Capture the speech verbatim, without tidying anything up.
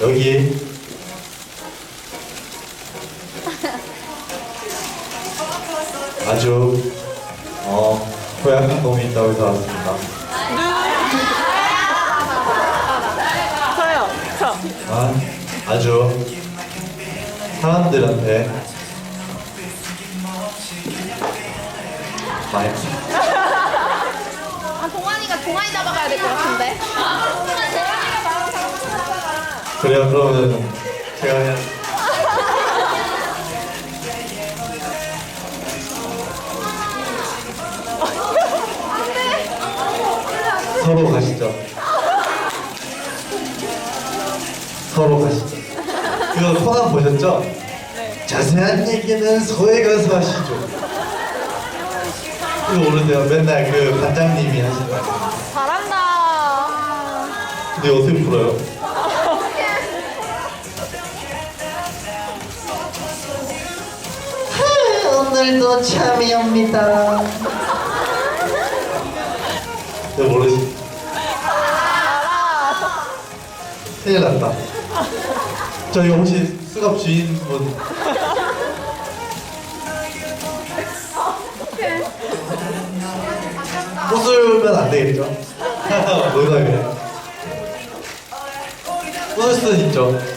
여기 아주 어 고약한 놈이 있다고 해서 왔습니다. 저요. 저. 아, 아주 사람들한테 많이 아, 동환이가 동환이 잡아가야 될 것 같은데. 그래요. 그러면 제가 그냥 서로 가시죠. 서로 가시죠. 그거 코난 보셨죠? 네. 자세한 얘기는 서에 가서 하시죠. 이거 모르세요? 맨날 그 반장님이 하시는 말. 잘한다. 근데 어떻게 풀어요? 오늘도 잠이 옵니다. 내가 모르지. 큰일 났다. 저 이거 혹시 수갑 주인분 웃으면 안 되겠죠? 농담이에요. 웃을 수는 있죠.